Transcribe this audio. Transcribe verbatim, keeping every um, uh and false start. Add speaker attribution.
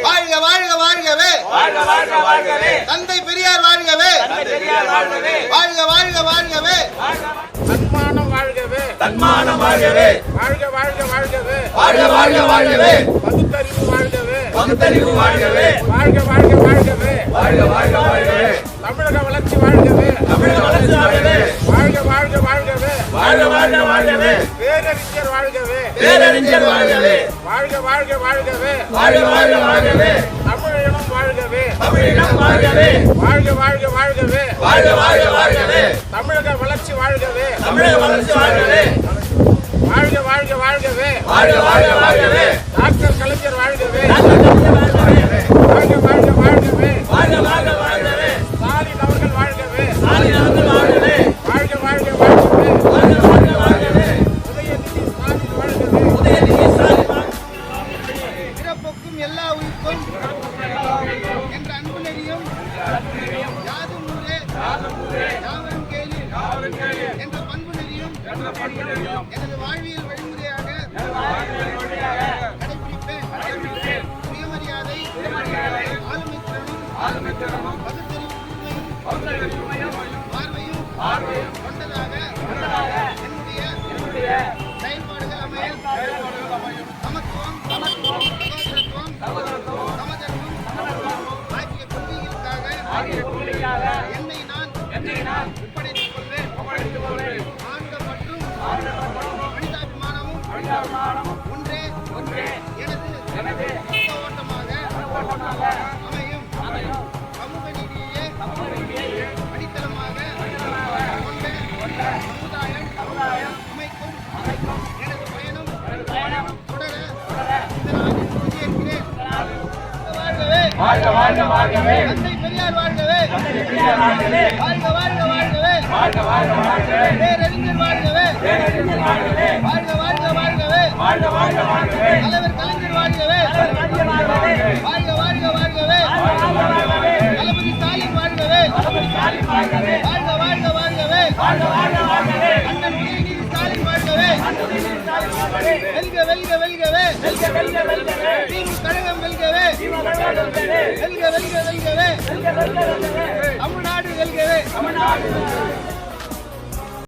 Speaker 1: வாழ்க வாழ்க வாழ்கவே
Speaker 2: வாழ்க வாழ்க வாழ்கவே
Speaker 1: தந்தை பெரியார் வாழ்கவே
Speaker 2: தந்தை பெரியார் வாழ்கவே
Speaker 1: வாழ்க வாழ்க வாழ்கவே
Speaker 3: தன்மானம் வாழ்கவே
Speaker 2: தன்மானம் வாழ்கவே
Speaker 3: வாழ்க வாழ்க வாழ்கவே
Speaker 2: வாழ்க வாழ்க வாழ்கவே
Speaker 3: பகுத்தறிவு வாழ்கவே
Speaker 2: பகுத்தறிவு வாழ்கவே
Speaker 3: வாழ்க வாழ்க வாழ்கவே
Speaker 2: வாழ்க வாழ்க வாழ்கவே
Speaker 3: தமிழக வளர்ச்சி வாழ்கவே
Speaker 2: தமிழக வளர்ச்சி வாழ்கவே
Speaker 3: வாழ்க வாழ்க வாழ்கவே
Speaker 2: வாழ்க வாழ்க வாழ்கவே
Speaker 3: பேரறிஞர் வாழ்கவே
Speaker 2: பேரறிஞர் வாழ்கவே
Speaker 3: வாழ்க வாழ்க வாழ்கவே
Speaker 2: வாழ்க வாழ்க வாழ்கவே
Speaker 3: தமிழினம் வாழ்கவே
Speaker 2: தமிழினம் வாழ்கவே
Speaker 3: வாழ்க வாழ்க வாழ்கவே
Speaker 2: வாழ்க வாழ்க வாழ்கவே
Speaker 3: தமிழக வளர்ச்சி வாழ்கவே
Speaker 2: தமிழக வளர்ச்சி வாழ்கவே
Speaker 3: வாழ்க வாழ்க வாழ்கவே
Speaker 2: வாழ்க வாழ்க வாழ்கவே
Speaker 3: டாக்டர் கலைஞர் வாழ்கவே
Speaker 2: வாழ்க
Speaker 3: வாழ்க வாழ்க வாழ்கவே
Speaker 2: வாழ்க வாழ்க வாழ்கவே
Speaker 3: ஸ்டாலின் அவர்கள் வாழ்கவே
Speaker 2: ஸ்டாலின் அவர்கள் வாழ்கவே
Speaker 3: வாழ்க வாழ்க வாழ்கவே
Speaker 2: வாழ்க வாழ்க வாழ்கவே
Speaker 3: உதயநிதி ஸ்டாலின் வாழ்கவே
Speaker 2: உதயநிதி ஸ்டாலின்
Speaker 1: பிறப்புக்கும் எல்லா உயிர்க்கும் என்ற அன்பு நெறியும் யாதும் ஊரே யாவரும் கேளீர் என்ற பண்பு நெறியும் எனது வாழ்வியல் வழிமுறையாக கடைபிடிப்பேன். சுயமரியாதை ஆளுமைத் திறனும் பகுத்தறிவு கூர்மையும் பார்வையும் கொண்டதாக என்னுடைய செயல்பாடுகள் அமையும். சமத்துவம் சகோதரத்துவம் சமதர்மம் ஆகிய கொள்கைகளுக்காக என்னை நான் ஒப்படைத்துக் கொள்வேன். ஆண்ட மற்றும் மனிதாபிமானமும் ஒன்றே எனது ஓட்டமாக அமையும். சமூக நீதியே அடித்தளமாக கொண்ட சமுதாயம் அமைக்கும் எனது பயணம் தொடர இந்த நாளில் உறுதியேற்கிறேன்.
Speaker 2: வாழ்க வாழ்க வாழ்கவே
Speaker 1: தந்தை பெரியார் வாழ்கவே
Speaker 2: தந்தை பெரியார் வாழ்கவே
Speaker 1: வாழ்க வாழ்க வாழ்கவே
Speaker 2: வாழ்க வாழ்க வாழ்கவே
Speaker 1: பேரறிஞர் வாழ்கவே
Speaker 2: பேரறிஞர் வாழ்கவே
Speaker 1: வாழ்க வாழ்க வாழ்கவே
Speaker 2: வாழ்க வாழ்க வாழ்கவே
Speaker 1: தலைவர் கலைஞர் வாழ்கவே
Speaker 2: கலைஞர் வாழ்கவே
Speaker 1: வாழ்க வாழ்க வாழ்கவே தளபதி ஸ்டாலின் வாழ்கவே
Speaker 2: தளபதி ஸ்டாலின் வாழ்கவே
Speaker 1: வாழ்க வாழ்க வாழ்கவே
Speaker 2: வாழ்க வாழ்க வாழ்கவே
Speaker 1: அண்ணன் உதயநிதி ஸ்டாலின் வாழ்கவே
Speaker 2: உதயநிதி ஸ்டாலின் வாழ்கவே
Speaker 1: வெல்க வெல்க வெல்கவே
Speaker 2: வெல்க வெல்க வெல்கவே
Speaker 1: திமுக கழகம் வெல்கவே
Speaker 2: திமுக வெல்கவே
Speaker 1: வெல்க வெல்க வெல்கவே
Speaker 2: வெல்க வெல்க வெல்கவே
Speaker 1: தமிழ்நாடு வெல்கவே
Speaker 2: தமிழ்நாடு